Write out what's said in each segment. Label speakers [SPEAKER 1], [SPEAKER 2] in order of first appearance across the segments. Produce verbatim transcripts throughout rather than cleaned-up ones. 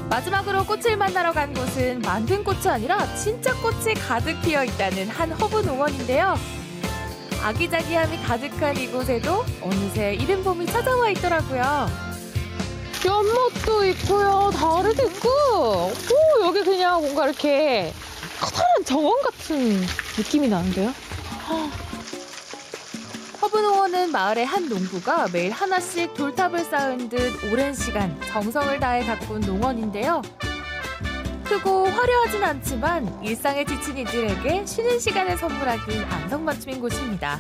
[SPEAKER 1] 마지막으로 꽃을 만나러 간 곳은 만든 꽃이 아니라 진짜 꽃이 가득 피어 있다는 한 허브 농원인데요. 아기자기함이 가득한 이곳에도 어느새 이른 봄이 찾아와 있더라고요.
[SPEAKER 2] 연못도 있고요, 다리도 있고, 오, 여기 그냥 뭔가 이렇게 커다란 정원 같은 느낌이 나는데요?
[SPEAKER 1] 허브 농원은 마을의 한 농부가 매일 하나씩 돌탑을 쌓은 듯 오랜 시간 정성을 다해 가꾼 농원인데요. 크고 화려하진 않지만 일상에 지친 이들에게 쉬는 시간을 선물하기 안성맞춤인 곳입니다.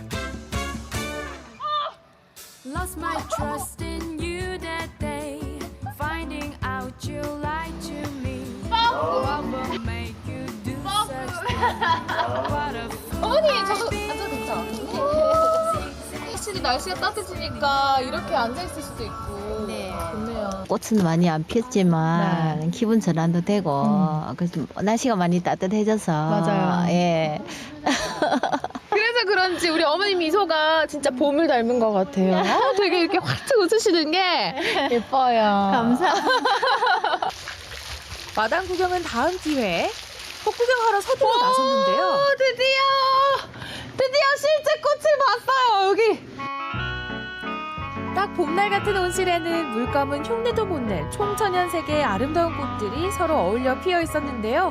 [SPEAKER 3] Lost my trust in you that day. Finding out you lied to me. What will make you do such things? What a
[SPEAKER 2] 어머니, 저도 앉아도 괜찮아요? 확실히 날씨가 따뜻해지니까 이렇게 앉아있을 수도 있고.
[SPEAKER 4] 네.
[SPEAKER 2] 좋네요.
[SPEAKER 4] 꽃은 많이 안 피었지만 기분 전환도 되고 그래서 날씨가 많이 따뜻해져서
[SPEAKER 2] 맞아요.
[SPEAKER 4] 예.
[SPEAKER 2] 그래서 그런지 우리 어머니 미소가 진짜 봄을 닮은 것 같아요. 어, 되게 이렇게 활짝 웃으시는 게 예뻐요.
[SPEAKER 4] 감사합니다.
[SPEAKER 1] 마당 구경은 다음 기회에 꽃 구경하러 서둘러 나섰는데요.
[SPEAKER 2] 오, 드디어! 드디어 실제 꽃을 봤어요, 여기!
[SPEAKER 1] 딱 봄날 같은 온실에는 물감은 흉내도 못 낼 총천연 색의 아름다운 꽃들이 서로 어울려 피어 있었는데요.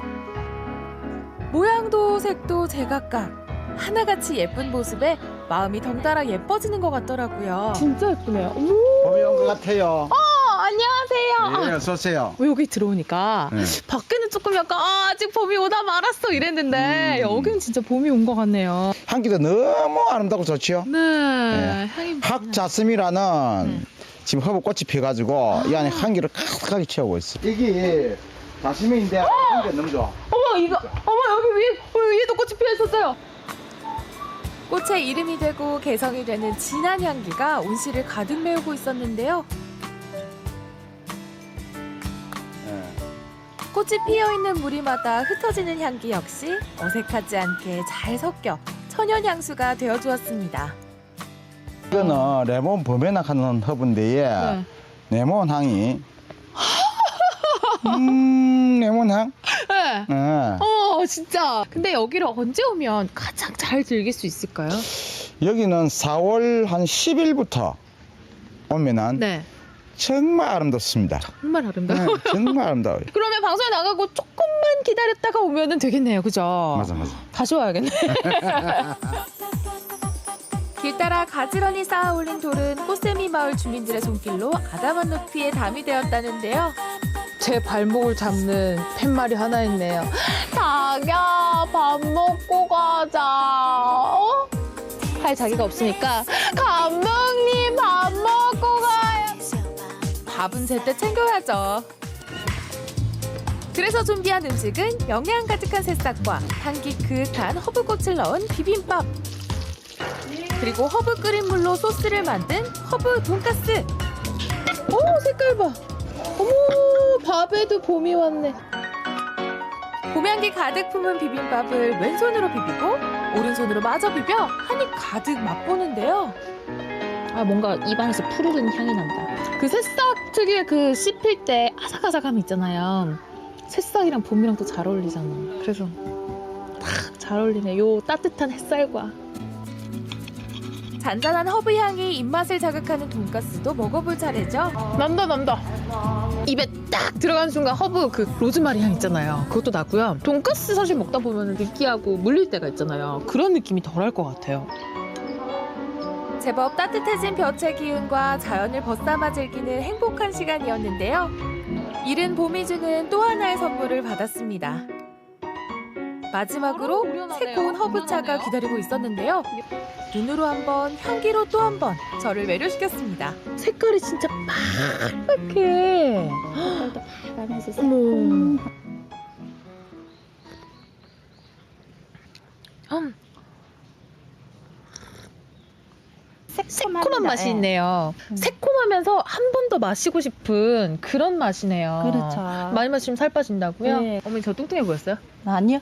[SPEAKER 1] 모양도 색도 제각각 하나같이 예쁜 모습에 마음이 덩달아 예뻐지는 것 같더라고요.
[SPEAKER 2] 진짜 예쁘네요. 어머,
[SPEAKER 5] 봄이 온 것 같아요.
[SPEAKER 2] 어, 안녕하세요.
[SPEAKER 5] 예, 어서 오세요.
[SPEAKER 2] 어, 여기 들어오니까
[SPEAKER 5] 네.
[SPEAKER 2] 밖에는 조금 약간 아, 아직 봄이 오다 말았어 이랬는데
[SPEAKER 5] 음.
[SPEAKER 2] 여기는 진짜 봄이 온 것 같네요.
[SPEAKER 5] 향기도 너무 아름답고 좋지요.
[SPEAKER 2] 네,
[SPEAKER 5] 네.
[SPEAKER 2] 향이
[SPEAKER 5] 학자스미라는 지금 허브꽃이 피어가지고 이 안에 향기를 가득하게 채우고 있어. 이게 다시미인데 향기가 너무 좋아.
[SPEAKER 2] 어머 이거 어머 여기 위에 어, 위에도 꽃이 피어 있었어요.
[SPEAKER 1] 꽃의 이름이 되고 개성이 되는 진한 향기가 온실을 가득 메우고 있었는데요.
[SPEAKER 5] 예.
[SPEAKER 1] 꽃이 피어있는 무리마다 흩어지는 향기 역시 어색하지 않게 잘 섞여 천연 향수가 되어주었습니다.
[SPEAKER 5] 이거는 레몬 범에낙 하는 허브인데
[SPEAKER 2] 네.
[SPEAKER 5] 레몬 향이 음 레몬 향.
[SPEAKER 2] 네.
[SPEAKER 5] 예.
[SPEAKER 2] 어 진짜. 근데 여기를 언제 오면 가장 잘 즐길 수 있을까요?
[SPEAKER 5] 여기는 사월 한 십 일부터 오면은
[SPEAKER 2] 네.
[SPEAKER 5] 정말 아름답습니다.
[SPEAKER 2] 정말
[SPEAKER 5] 네,
[SPEAKER 2] 아름다워요.
[SPEAKER 5] 정말 아름다워요.
[SPEAKER 2] 그러면 방송에 나가고 조금만 기다렸다가 오면은 되겠네요, 그죠?
[SPEAKER 5] 맞아 맞아.
[SPEAKER 2] 다시 와야겠네.
[SPEAKER 1] 길 따라 가지런히 쌓아 올린 돌은 꽃샘이 마을 주민들의 손길로 아담한 높이에 담이 되었다는데요.
[SPEAKER 2] 제 발목을 잡는 팻말이 하나 있네요. 자기야, 밥 먹고 가자. 어? 할 자기가 없으니까 감독님 밥 먹고 가요.
[SPEAKER 1] 밥은 제때 챙겨야죠. 그래서 준비한 음식은 영양 가득한 새싹과 향기 그윽한 허브꽃을 넣은 비빔밥. 그리고 허브 끓인 물로 소스를 만든 허브 돈가스.
[SPEAKER 2] 오, 색깔 봐. 어머, 밥에도 봄이 왔네.
[SPEAKER 1] 봄향기 가득 품은 비빔밥을 왼손으로 비비고 오른손으로 마저 비벼 한입 가득 맛보는데요.
[SPEAKER 2] 아, 뭔가 입안에서 푸르른 향이 난다. 그 새싹 특유의 그 씹힐 때 아삭아삭함이 있잖아요. 새싹이랑 봄이랑 또 잘 어울리잖아. 그래서 딱 잘 어울리네. 요 따뜻한 햇살과.
[SPEAKER 1] 잔잔한 허브 향이 입맛을 자극하는 돈가스도 먹어볼 차례죠.
[SPEAKER 2] 난다 난다. 입에 딱 들어가는 순간 허브 그 로즈마리 향 있잖아요. 그것도 나고요. 돈가스 사실 먹다 보면 느끼하고 물릴 때가 있잖아요. 그런 느낌이 덜할 것 같아요.
[SPEAKER 1] 제법 따뜻해진 볕의 기운과 자연을 벗삼아 즐기는 행복한 시간이었는데요. 이른 봄이 주는 또 하나의 선물을 받았습니다. 마지막으로 새고운 허브차가 기다리고 있었는데요. 눈으로 한 번, 향기로 또 한 번 저를 매료시켰습니다.
[SPEAKER 2] 색깔이 진짜 빨갛게. 어머. 음.
[SPEAKER 4] 새콤한
[SPEAKER 2] 새콤한 맛이
[SPEAKER 6] 예.
[SPEAKER 2] 있네요.
[SPEAKER 6] 음.
[SPEAKER 2] 새콤하면서 한 번 더 마시고 싶은 그런 맛이네요.
[SPEAKER 6] 그렇죠.
[SPEAKER 2] 많이 마시면 살 빠진다고요?
[SPEAKER 6] 네.
[SPEAKER 2] 어머니 저 뚱뚱해 보였어요?
[SPEAKER 6] 아니요.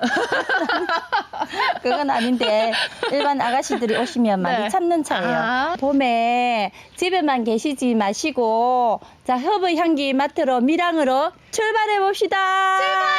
[SPEAKER 6] 그건 아닌데 일반 아가씨들이 오시면 많이
[SPEAKER 2] 네.
[SPEAKER 6] 찾는 차예요.
[SPEAKER 2] 아.
[SPEAKER 6] 봄에 집에만 계시지 마시고 자 허브 향기 맡으러 밀양으로 출발해 봅시다. 출발!